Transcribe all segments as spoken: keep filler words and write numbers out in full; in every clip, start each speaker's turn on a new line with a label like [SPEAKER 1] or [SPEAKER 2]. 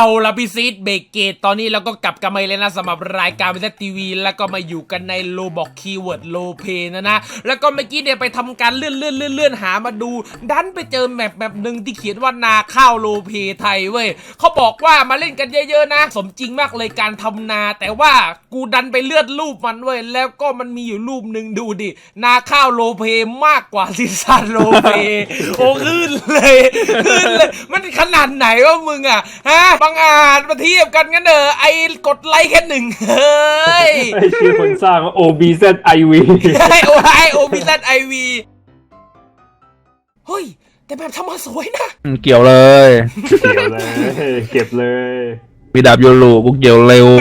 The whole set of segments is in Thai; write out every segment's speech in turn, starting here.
[SPEAKER 1] เอาละพี่ซีดเบรกเกตตอนนี้เราก็กลับกันมาเลยนะสำหรับรายการวิทยทีวีแล้วก็มาอยู่กันในโลบอกคีย์เวิร์ดโลเพนะนะแล้วก็เมื่อกี้เนี่ยไปทำการเลื่อนเลื่อนเลื่อนเลื่อนหามาดูดันไปเจอแมปแบบหนึ่งที่เขียนว่านาข้าวโลเพไทยเว้ยเขาบอกว่ามาเล่นกันเยอะๆนะสมจริงมากเลยการทำนาแต่ว่ากูดันไปเลื่อนรูปมันเว้ยแล้วก็มันมีอยู่รูปหนึ่งดูดินาข้าวโลเพมากกว่าซีซั่นโลเพโอ้ขึ้นเลยขึ้นเลยมันขนาดไหนวะมึงอ่ะฮะบางอาจมาเทียบกันงั้นเด้อไอ้กดไลค์แค่หนึ่งเฮ้ย
[SPEAKER 2] ไอ้ชื่อคนสร้างว่า โอ บี แซด ไอ วี
[SPEAKER 1] ไอโอไอโอบีแซดไอวีเฮ้ยแต่แบบทำมาสวยนะ
[SPEAKER 3] เกี่ยวเลย
[SPEAKER 2] เก็บเลยเก็บเลย
[SPEAKER 3] มีดาบโยลูกูเกี่ยวเร็ว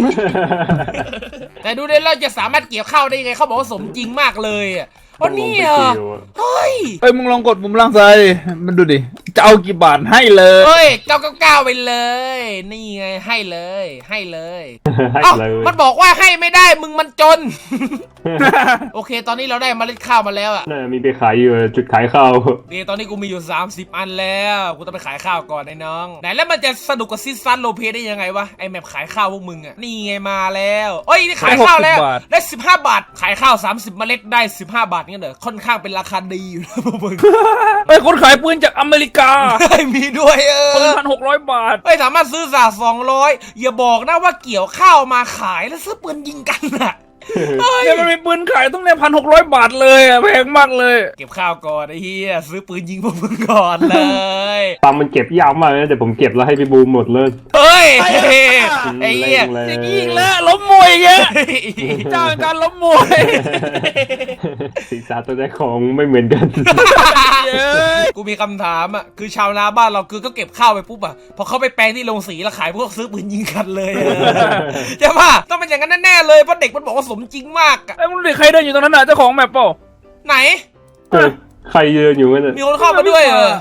[SPEAKER 1] แต่ดูได้เราจะสามารถเกี่ยวข้าวได้ยังไงเขาบอกว่าสมจริงมากเลยอ่ะวันนี้อ่ะเฮ้ย
[SPEAKER 3] เฮ้ยมึงลองกดปุ่มล่างซ้ายมันดูดิจะเอากี่บาทให้เลย
[SPEAKER 1] เฮ้ยเก้าเก้าเก้าไปเลยนี่ไงให้เลยให้เลยเอ้ามันบอกว่าให้ไม่ได้มึงมันจน โอเคตอนนี้เราได้เมล็ดข้าวมาแล้วอ่ะ
[SPEAKER 2] น่ามีไปขายอยู่จุดขายข้าว
[SPEAKER 1] นี่ตอนนี้กูมีอยู่สามสิบอันแล้วกูต้องไปขายข้าวก่อนไอ้น้องไหนแล้วมันจะสนุกกับซีซั่นโลเพได้ยังไงวะไอแมปขายข้าวพวกมึงอ่ะนี่ไงมาแล้วเอ้ยนี่ขายข้าวแล้วได้สิบห้าบาทขายข้าวสามสิบเมล็ดได้สิบห้าบาทงั้นเหรอค่อนข้างเป็นราคาดีอยู่นะพวกมึง
[SPEAKER 3] ไอ้คนขายปืนจากอเมริกา
[SPEAKER 1] มีด้วยเออ
[SPEAKER 3] ปืนพันหกร้อยบาท
[SPEAKER 1] ไอ้สามารถซื้อสาสองร้อยอย่าบอกนะว่าเกี่ยวข้าวมาขายแล้วซื้อปืนยิงกันอ่ะ
[SPEAKER 3] เนี่ยมันมีปืนขายต้องเนี่ยพันหกร้อยบาทเลยอ่ะแพงมากเลย
[SPEAKER 1] เก็บข้าวก่อนไอ้เหี้ยซื้อปืนยิงพวกมึงก่อนเลย
[SPEAKER 2] ตามมันเก็บยาวมากเลยแต่ผมเก็บแล้วให้พี่บูมหมดเลย
[SPEAKER 1] เฮ้ยไอ้เหี้ย
[SPEAKER 3] จะยิงแล้วล้มมวยเงี้ยจ้างการล้มมวย
[SPEAKER 2] ศีรษะตัวได้ของไม่เหมือนกัน
[SPEAKER 1] กูมีคำถามอ่ะคือชาวนาบ้านเราคือก็เก็บข้าวไปปุ๊บอ่ะพอเขาไปแปลงที่โรงสีแล้วขายพวกซื้อปืนยิงกันเลยใช่ป่ะต้องเป็นอย่างนั้นแน่ๆเลยเพราะเด็กมันบอกว่าสมจริงมากอ่ะ
[SPEAKER 3] ไอ้มึงเด็กใครเดินอยู่ตรงนั้นน่ะเจ้าของแมปเปล่า
[SPEAKER 1] ไหน
[SPEAKER 2] ใครเดินอยู่กัน
[SPEAKER 1] มีคนเข้ามาด้วยเหรอ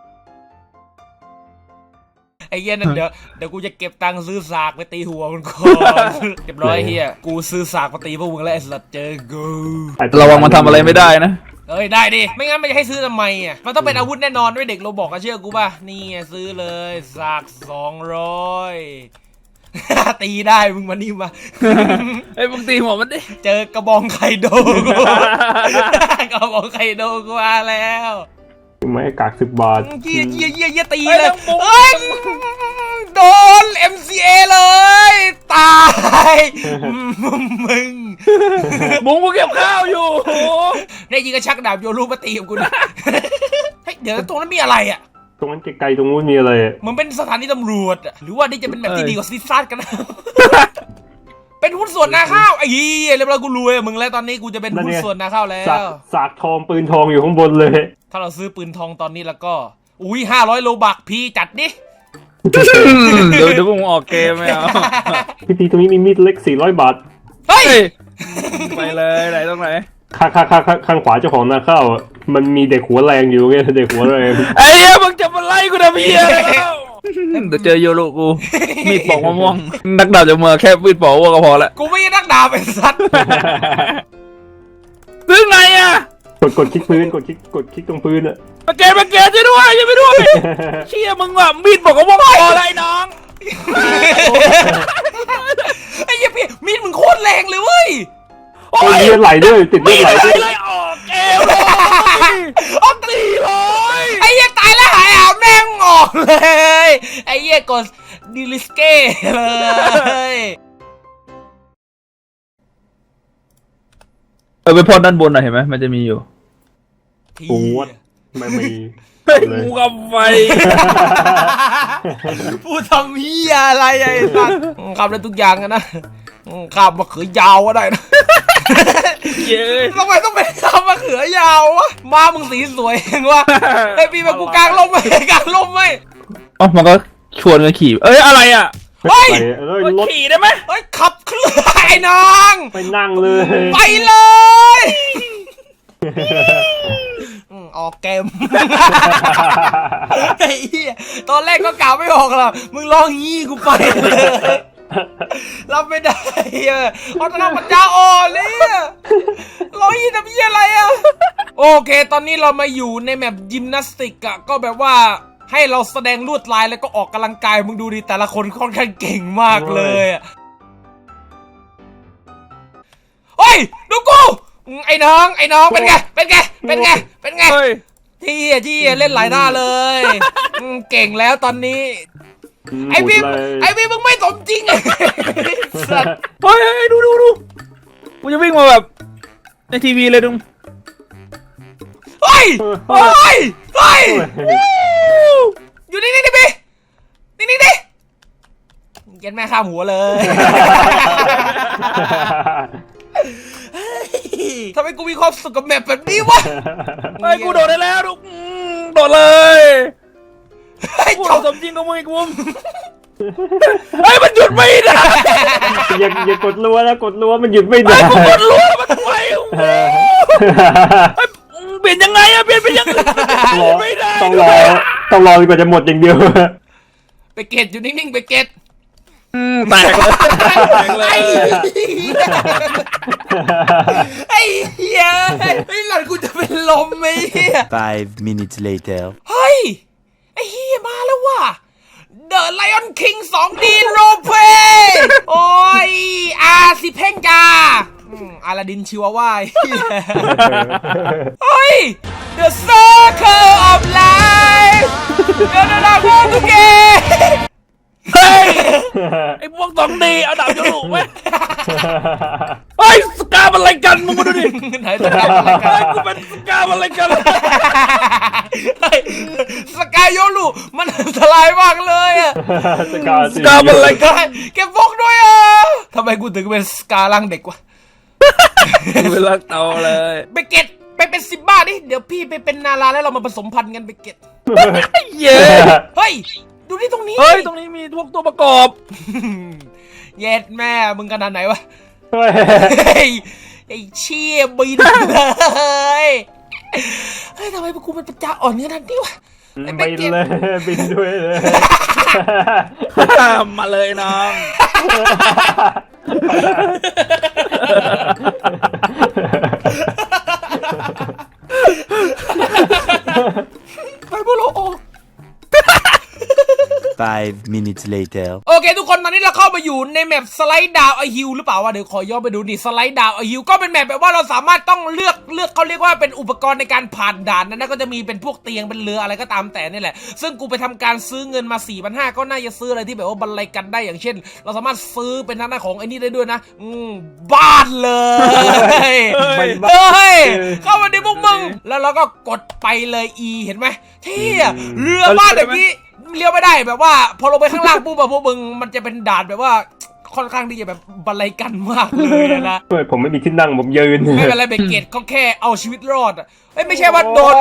[SPEAKER 1] ไอ้เหี้ยนั่นเดี๋ยวเดี๋ยวกูจะเก็บตังค์ซื้อสากไปตีหัวมันก่อนเรียบร้อยเฮียกูซื้อสากมาตีพวกมึงแล้วไอ้สัตว์เจอกู
[SPEAKER 3] ระวังมันทำอะไรไม่ได้นะ
[SPEAKER 1] เอ้ยได้ดิไม่งั้นมันจะให้ซื้อทำไมอ่ะมันต้องเป็นอาวุธแน่นอนด้วยเด็กเราบอกกันเชื่อกูป่ะนี่ซื้อเลยสากสองร้อยตีได้มึงมานี่มา
[SPEAKER 3] ไอ้มึงตีหัวมันดิ
[SPEAKER 1] เจอกระบองไคโดกระบองไคโดกูมาแล้ว
[SPEAKER 2] ไม่กากสิบบาท
[SPEAKER 1] เยี่ยเยี่ยเยี่ยเยี่ยตีเลยเอ้ยโดน เอ็ม ซี เอ เลยตายมึง
[SPEAKER 3] บุ้งกูเก็บข้าวอยู่
[SPEAKER 1] ได้ยิงกระชักดาบโยรูมาตีกับกูนะเฮ้ยเดี๋ยวตรงนั้นมีอะไรอ่ะ
[SPEAKER 2] ตรงนั้นไกลๆตรงนู้นมีอะไร
[SPEAKER 1] มันเป็นสถานีตำรวจหรือว่านี่จะเป็นแบบที่ดีกว่าซีซั่นกันนะเป็นหุ้นส่วนนาข้าวไอ้ยี่เรียบร้อยกูรวยมึงแล้วตอนนี้กูจะเป็นหุ้นส่วนนาข้าวแล้ว
[SPEAKER 2] สากทองปืนทองอยู่ข้างบนเลย
[SPEAKER 1] ถ้าเราซื้อปืนทองตอนนี้แล้วก็อุ้ยห้าร้อยโลบักพี่จัดดิ
[SPEAKER 3] เดี๋ยวเดี๋ยวผมออกเกมไม่เอา
[SPEAKER 2] พี่ตีตรงนี้มีมีดเล็กสี่ร้อยบาท
[SPEAKER 1] เฮ้ย
[SPEAKER 3] ไปเลยไหนตรงไหน
[SPEAKER 2] ข้างข้างข้างข้างขวาเจ้าของนาข้าวมันมีเด็กหัวแรงอยู่ไงเด็กหัวแรง
[SPEAKER 3] ไอ้เหี้ยมึงจะมาไล่กูนะพี่เดี๋ยวเจอโยโรกูมีดปอกมะม่วงนักดาบจะมาแค่มีดปอกว่าก็พอละ
[SPEAKER 1] กูไม่ใช่นักดาบเป็นสัตว์
[SPEAKER 3] ซื้อไงอ่ะ
[SPEAKER 2] กดกดคลิกพื้นกดคลิกกดคลิกตรงพื้นอะ
[SPEAKER 3] มาเกมมาเกมช่วยด้วยช่วยไปด้วยเชี่ยมึงว่ะมีดปอกมะม่วงพออะไรน้อง
[SPEAKER 1] ไอ้เหี้ยพี่มีดมึงโคตรแรงเลยเว้ย
[SPEAKER 2] โอ้ยเลือดไหลด้วยติดเลือดไหลด้วย
[SPEAKER 3] ไล่ออกเกมเลยออกตีเลย
[SPEAKER 1] ไอ้เหี้ยตายแล้วหายอ่ะแม่งออกเลยไอ้เหี้ยกดดิลิสเก้เลย
[SPEAKER 3] เออไปพอดด้านบนหน่อยเห็นไหมมันจะมีอยู่
[SPEAKER 2] โอ้ยไม่มี
[SPEAKER 3] งูกับไฟ
[SPEAKER 1] พูดทำเหี้ยอะไรไอ้สัสขับได้ทุกอย่างนะขับมะเขือยาวก็ได้นะ
[SPEAKER 3] เย้
[SPEAKER 1] ทำไมต้องเป็นขับมะเขือยาววะมามึงสีสวยเองวะไอ้พี่มากูกลางลมไหมกลางลมไหม
[SPEAKER 3] อ๋อมันก็ชวนกันขี่เอ้ยอะไรอ่ะ
[SPEAKER 1] เฮ้ย
[SPEAKER 3] ขี่ได้ไหม
[SPEAKER 1] เฮ้ยขับเคลื่อนไอ้น้อง
[SPEAKER 2] ไปนั่งเลย
[SPEAKER 1] ไปเลยออกเกมไอ้เหี้ยตอนแรกก็กล่าวไม่ออกหรอกมึงลองงี้กูไปเลยรับไม่ได้เออเพราะตอนนั้นมันจะอ่อนเลยร้อยยี่ทำยี่อะไรอ่ะโอเคตอนนี้เรามาอยู่ในแมปยิมนาสติกอะก็แบบว่าให้เราแสดงลวดลายแล้วก็ออกกำลังกายมึงดูดิแต่ละคนค่อนข้างเก่งมากเลยอะเฮ้ยดูกูไอ้น้องไอ้น้องเป็นไงเป็นไงเป็นไงเป็นไงที่ที่เล่นหลายหน้าเลยเก่งแล้วตอนนี้ไอพี่ไอพี่มึงไม่สมจริงไอ้สัตว์
[SPEAKER 3] เฮ้ยดูดูดูกูจะวิ่งมาแบบในทีวีเลยดุง
[SPEAKER 1] เฮ้ยเฮ้ยเฮ้ยอยู่นี่นี่ดิพี่นี่นี่ดิเย็นแม่ข้ามหัวเลยทำไมกูมีความสุขกับแมปแบบนี้วะ
[SPEAKER 3] เฮ้ยกูโดดได้แล้วดุงโดดเลยกูสมจริงกับมึงไอ้กูเฮ้ยมันหยุดไม่ได้
[SPEAKER 2] อย่าอย่ากดรัวนะกดรัวมันหยุดไม่ได้
[SPEAKER 3] กูกดรัวมันทำไมเปลี่ยนยังไงอะเปลี่ยนไปยังไงไม่ได้
[SPEAKER 2] ต้องรอต้องรอจนกว่าจะหมดอย่างเดียว
[SPEAKER 1] ไปเก็ตอยู่นิ่งๆไปเก็ต
[SPEAKER 3] แตกเลยแตกเลย
[SPEAKER 1] ไอ้เหี้ยไอ้หลานกูจะเป็นลมไหมเหี้ย
[SPEAKER 4] Five minutes later
[SPEAKER 1] เฮ้ยไอ้เหี้ยมาแล้วว่ะ The Lion King สอง ดี Roleplay โอ้ยอาสิเพ่งกาอาลาดินชิวาว่าเฮ้ย The Circle of Life เดี๋ยวนะพวกทุกเก
[SPEAKER 3] เฮ้ยไอ้พวกสองดีเอาดาบโยรุไหมเฮ้ยสกาอะไรกันมึงมาดูดิ
[SPEAKER 1] ไหนสกาอะไรกัน
[SPEAKER 3] กูเป็นสกาอะไรกัน
[SPEAKER 1] สกาโยรุมันอันตรายมากเลยอะ
[SPEAKER 2] สกา
[SPEAKER 3] สกาอะไรกัน
[SPEAKER 1] เก็บพกด้วยอ่ะทำไมกูถึงเป็นสกาล่างเด็กวะ
[SPEAKER 3] เวลาโตเลย
[SPEAKER 1] ไปเก็ตไปเป็นซิบ้าดิเดี๋ยวพี่ไปเป็นนาราแล้วเรามาผสมพันธุ์กันไปเก็ต
[SPEAKER 3] เย้
[SPEAKER 1] เฮ้ยดูนี่ตรงนี้
[SPEAKER 3] เฮ้ยตรงนี้มีพวกตัวประกอบ
[SPEAKER 1] เย็ดแม่มึงขนาดไหนวะ
[SPEAKER 2] เฮ้
[SPEAKER 1] ยไอ้เชี่ยบินเลยเฮ้ยทำไมกูเป็นปัญญาอ่อนขนาดนี้วะ
[SPEAKER 2] บินเลยบินด้วยเลย
[SPEAKER 3] มาเลยน้อง
[SPEAKER 1] ไปบุโร
[SPEAKER 4] Five minutes later
[SPEAKER 1] โอเคทุกคนตอนนี้เราเข้ามาอยู่ในแมปสไลด์ดาวไอฮิลหรือเปล่าวะเดี๋ยวขอย้อนไปดูนี่สไลด์ดาวไอฮิลก็เป็นแมปแบบว่าเราสามารถต้องเลือกเลือกเขาเรียกว่าเป็นอุปกรณ์ในการผ่านด่านนั้นก็จะมีเป็นพวกเตียงเป็นเรืออะไรก็ตามแต่นี่แหละซึ่งกูไปทำการซื้อเงินมา สี่พันห้าร้อย ก็น่าจะซื้ออะไรที่แบบว่าบรรลัยกันได้อย่างเช่นเราสามารถซื้อเป็นทางด้านของไอ้นี่ได้ด้วยนะอืมบ้านเลยเฮ้ยเข้ามาในพวกมึงแล้วเราก็กดไปเลย E เห็นไหมเที่ยเรือบ้านแบบนี้เลี้ยวไม่ได้แบบว่าพอลงไปข้างล่างปุ๊บแบบพวกมึงมันจะเป็นด่านแบบว่าค่อนข้างที่จะแบบบรรลัยกันมากเลยนะ
[SPEAKER 2] เฮ้ยผมไม่มีที่นั่งผมยืน
[SPEAKER 1] ไม่เป็นไรเบเกตเขาแค่เอาชีวิตรอดอ่ะไม่ใช่ว่าโดน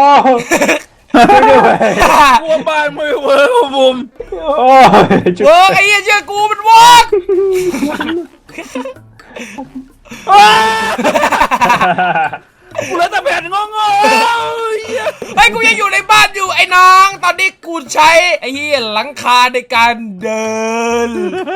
[SPEAKER 3] กลัวบ้านมือเวิร์กบุม
[SPEAKER 1] เวิร์กไอ้เหี้ยเชื่อกูมันเวิร์ก
[SPEAKER 3] กูเลยแต่แผ่นงง
[SPEAKER 1] ๆไอ้กูยังอยู่ในบ้านอยู่ไอ้น้องตอนนี้กูใช้ไอ้เหี้ยหลังคาในการเดิน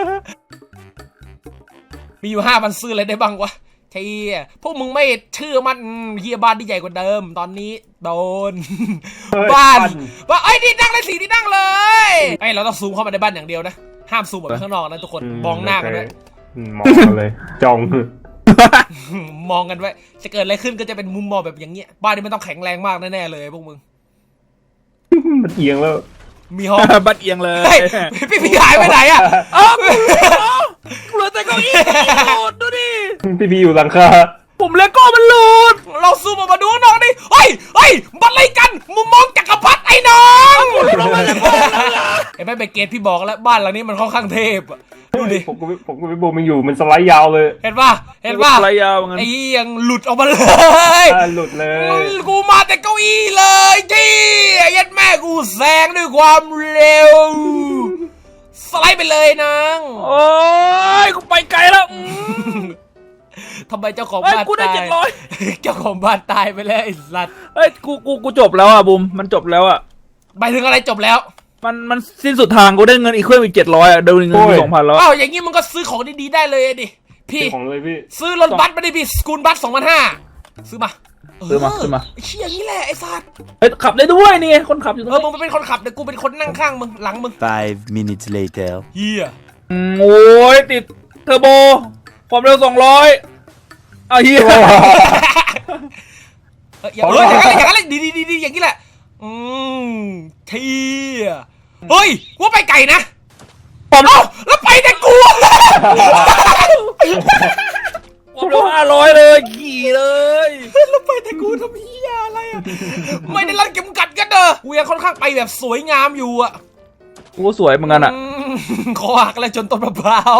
[SPEAKER 1] มีอยู่ห้าพันซื้ออะไรได้บ้างวะเฮียพวกมึงไม่เชื่อมันเฮียบ้านที่ใหญ่กว่าเดิมตอนนี้โดนบ้านว่าไอ้นี่นั่งเลยสีนี่นั่งเลยไอ้เราต้องซูมเข้ามาในบ้านอย่างเดียวนะห้ามซูมแบบข้างนอกนะทุกคนมองหน้ากันด้วย
[SPEAKER 2] มองเลยจ้อง
[SPEAKER 1] มองกันไว้จะเกิดอะไรขึ้นก็จะเป็นมุมมองแบบอย่างเงี้ยบ้านนี้มันต้องแข็งแรงมากแน่ๆเลยพวกมึง
[SPEAKER 2] มันเอียงแล้ว
[SPEAKER 1] มีห้อง
[SPEAKER 3] บัดเอียงเลย
[SPEAKER 1] พี่พี่หายไปไหนอ่ะ
[SPEAKER 3] อ้าวกูเหลือแต่เก้าอี้หลุดดูดิ
[SPEAKER 2] พี่พี่อยู่หลังคา
[SPEAKER 3] ผมเลโก้มันหลุด
[SPEAKER 1] เราซูมออกมาดูน้องดิเฮ้ยเฮ้ยบัดอะไรกันมุมมองจักรพรรดิไอ้น้องเห็นไหมเบเกตพี่บอกแล้วบ้านหลังนี้มันค่อนข้างเทพอ่ะดูดิ
[SPEAKER 2] ผมก็ผมก็ไม่บูมมันอยู่มันสไลด์ยาวเลย
[SPEAKER 1] เห็นป่ะเห็นป่ะ
[SPEAKER 3] สไลด์ยาวงั้น
[SPEAKER 1] ไอ้ยังหลุดออกมาเลย
[SPEAKER 2] หลุดเลย
[SPEAKER 1] กูมาแต่เก้าอี้เลยที่ยัดแม่กูแซงด้วยความเร็วสไลด์ไปเลยนาง
[SPEAKER 3] โอ้ยกูไปไกลแล้ว
[SPEAKER 1] ทำไมเจ้าของบ้านตายเจ้าของบ้านตายไปแล้วไอ้สัตว์
[SPEAKER 3] เฮ้ยกูกูกูจบแล้วอ่ะบุมมันจบแล้วอ่ะ
[SPEAKER 1] หมายถึงอะไรจบแล้ว
[SPEAKER 3] มันมันสิ้นสุดทางกูได้เงินอีกเครื่องอีกเจ็ดร้อยอ่ะเดินเงินสองพันแล้ว
[SPEAKER 1] อ้าวอย่างงี้มึงก็ซื้อของดีๆได้เลยดิพี่
[SPEAKER 2] ของเลยพี่
[SPEAKER 1] ซื้อรถบัสมาดิพี่สกูลบัสสองพันห้าซื้อมา
[SPEAKER 3] ซื้อมาซื้อมา
[SPEAKER 1] ไอ้เชี่ยอย่างนี้แหละไอ้สัตว์
[SPEAKER 3] เฮ้ยขับได้ด้วยนี่คนขับอยู่ตรง
[SPEAKER 1] เออ
[SPEAKER 3] นี้
[SPEAKER 1] มึงเป็นคนขับเดี๋ยวกูเป็นคนนั่งข้างมึงหลังมึง
[SPEAKER 4] Five minutes later.
[SPEAKER 1] เฮีย
[SPEAKER 3] อืมโอ้ยติดเทอร์โบความเร็วสองร้อยเอาเฮีย
[SPEAKER 1] เอออย่างเอออย่างนั้นแหละอย่างนั้นแหละดีดีดีดีอย่างนี้แหละอืมเทียเฮ้ยกูว่าไปไก่นะ
[SPEAKER 3] ผม
[SPEAKER 1] เอ้าแล้วไปแต่กู
[SPEAKER 3] ความเร็วห้าร้อยเลยขี่เลย
[SPEAKER 1] แล้วไปแต่กูทำเฮียอะไรอ่ะไม่ได้รัดเข็มกัดกันเด้อกูยังค่อนข้างไปแบบสวยงามอยู่อ่ะ
[SPEAKER 3] กูสวยเหมือนกันอ่ะ
[SPEAKER 1] อืมคอหักเลยจนต้นมะพร้าว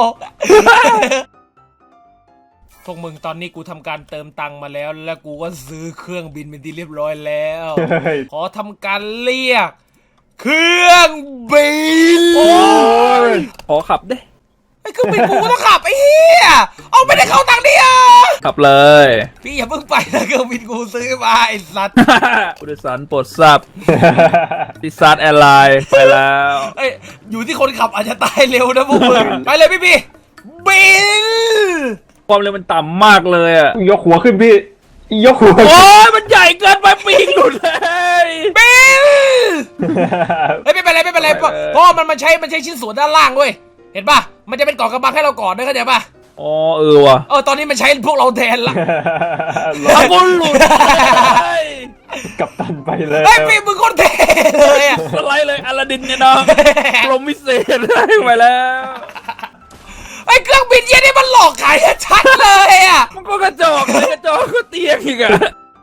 [SPEAKER 1] พวกมึงตอนนี้กูทำการเติมตังค์มาแล้ว แล้วกูก็ซื้อเครื่องบินเป็นที่เรียบร้อยแล้ว
[SPEAKER 2] เฮ้ย
[SPEAKER 1] ขอทำการเรียก เครื่องบิน
[SPEAKER 3] โอ้ยขอขับดิ
[SPEAKER 1] ไอ้เครื่องบินกูก็ต้องขับไอ้เหี้ยเอาไม่ได้เข้าตังค์ดิอ่ะ
[SPEAKER 3] ขับเลย
[SPEAKER 1] พี่อย่าเพิ่งไปนะเครื่องบินกูซื้อมาไอ้สัตว์
[SPEAKER 3] ผู้โดยสารโปรดทราบติซาร์แอร์ไลน์ไปแล้ว
[SPEAKER 1] เอ้ยอยู่ที่คนขับอาจจะตายเร็วนะพวกมึงไปเลยพี่พี่บิน
[SPEAKER 3] ความเร็วมันต่ำมากเลยอ่ะ
[SPEAKER 2] ยกหัวขึ้นพี่ยกหัว
[SPEAKER 3] โอ้ยมันใหญ่เกินไปปีกหลุดเลย
[SPEAKER 1] บินเฮ้ยไม่เป็นไรไม่เป็นไรเพราะเพราะมันมันใช้มันใช้ชิ้นส่วนด้านล่างเว้ยเห็นป่ะมันจะเป็นเกาะกำบังให้เราก่อนด้วยเข้าใจป่ะ
[SPEAKER 3] อ๋อเออว่ะ
[SPEAKER 1] เออตอนนี้มันใช้พวกเราแทนละ
[SPEAKER 3] ถ้าบุญหลุดเลย
[SPEAKER 2] กับตันไปเลย
[SPEAKER 1] เฮ้ยพี่มึงคนเท่เลยอะ
[SPEAKER 3] สไลด์เลยอลาดินเนี่ยนะกรมวิเศษได้ไปแล้ว
[SPEAKER 1] ไอ้เครื่องบินเยี่ยนี่มันหลอกขายชัดเลยอ่ะ
[SPEAKER 3] มันก็กระจอกเลยกระจอกก็เตียงอีกอะ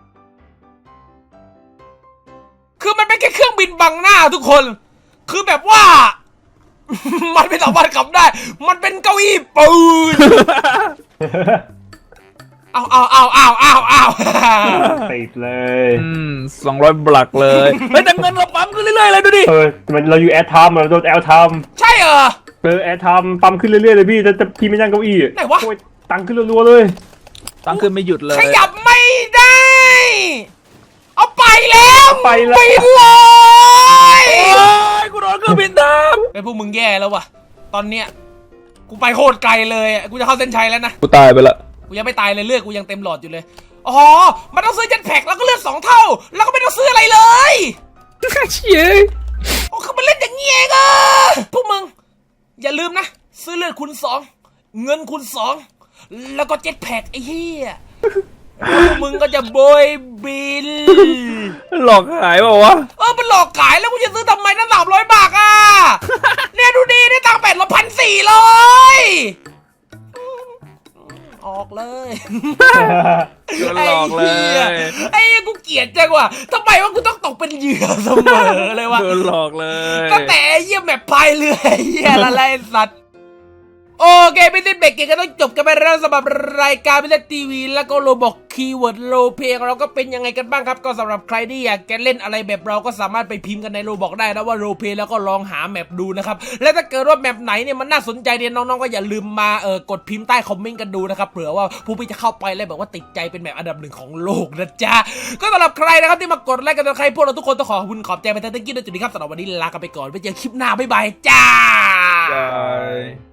[SPEAKER 1] คือมันเป็นแค่เครื่องบินบังหน้าทุกคน คือแบบว่า มันไม่สามารถขับได้ มันเป็นเก้าอี้ปืน เอาเอาเอาเอาเอาเอา
[SPEAKER 2] ติดเลย
[SPEAKER 3] อืมสองร้อยบลักเลยเฮ้ยแต่เงินเราปั๊มขึ้นเรื่อยๆเลยดูดิ
[SPEAKER 2] เออมันเราอยู่แอร์ไทม์เราโดนแอร์ไทม์
[SPEAKER 1] ใช่เหรอ
[SPEAKER 2] เออแอร์ไทม์ปั๊มขึ้นเรื่อยๆเลยพี่แต่แต่พี่ไม่นั่งเก้าอี้
[SPEAKER 1] ไหนวะ
[SPEAKER 2] โอ้ยตังค์ขึ้นรัวๆเลย
[SPEAKER 3] ตังค์ขึ้นไม่หยุดเลย
[SPEAKER 1] ขยับไม่ได้ เอาไปแล้ว
[SPEAKER 2] ไปแล้ว
[SPEAKER 1] บินเลย
[SPEAKER 3] โอ้ยกูโดนเครื่องบินทับ
[SPEAKER 1] ไอ้พวกมึงแย่แล้ววะตอนเนี้ยกูไปโคตรไกลเลยอะกูจะเข้าเส้นชัยแล้วนะ
[SPEAKER 3] กูตายไปละ
[SPEAKER 1] กูยังไม่ตายเลยเลือดกูยังเต็มหลอดอยู่เลย อ๋อ มันต้องซื้อเจ็ตแพ็กแล้วก็เลือดสองเท่า แล้วก็ไม่ต้องซื้ออะไรเลย
[SPEAKER 3] เชี่ย
[SPEAKER 1] โอ้คือมันเล่นอย่างนี้เองอะพวกมึง อย่าลืมนะ ซื้อเลือดคูณสองเงินคูณสองแล้วก็เจ็ตแพ็กไอ้เหี้ยพวกมึงก็จะโบยบิน
[SPEAKER 3] หลอกหายเปล่าวะ
[SPEAKER 1] เออมันหลอกขายแล้วกูจะซื้อทำไมนั่นสามร้อยบาทอ่ะ เนี่ยดูดีได้ตังค์แปดร้อยพันสี่เลยออกเลย
[SPEAKER 3] โดนหลอกเลย
[SPEAKER 1] ไอ้เหี้ยกูเกลียดจังว่ะทำไมว่ากูต้องตกเป็นเหยื่อเสมอเลยวะ
[SPEAKER 3] โดนหลอกเลย
[SPEAKER 1] ตั้งแต่ไอ้เหี้ยแบบพายเรือไอ้เหี้ยละไรสัตว์โอเคพี่ติ๊กเบรกเกก็ต้องจบกันไปแล้วสำหรับรายการพี่ติ๊กทีวีแล้วก็โรบอกคีย์เวิร์ดโรเพของเราก็เป็นยังไงกันบ้างครับก็สำหรับใครที่อยากจะเล่นอะไรแบบเราก็สามารถไปพิมพ์กันในโรบอกได้นะว่าโรเพแล้วก็ลองหาแมปดูนะครับและถ้าเกิดว่าแมปไหนเนี่ยมันน่าสนใจเนี่ยน้องๆก็อย่าลืมมาเออกดพิมพ์ใต้คอมเมนต์กันดูนะครับเผื่อว่าผู้พี่จะเข้าไปแล้วแบบว่าติดใจเป็นแมปอันดับหนึ่งของโลกนะจ๊ะก็สำหรับใครนะครับที่มากดไลค์กันใครพวกเราทุกคนต้องขอขอบคุณขอบใจไปทั้งที่ด้วยจุดนี้ครับสำหรับวันนี้ลากันไปก่อนไว้เจอคลิปหน้าบ๊ายบายจ้า
[SPEAKER 3] บาย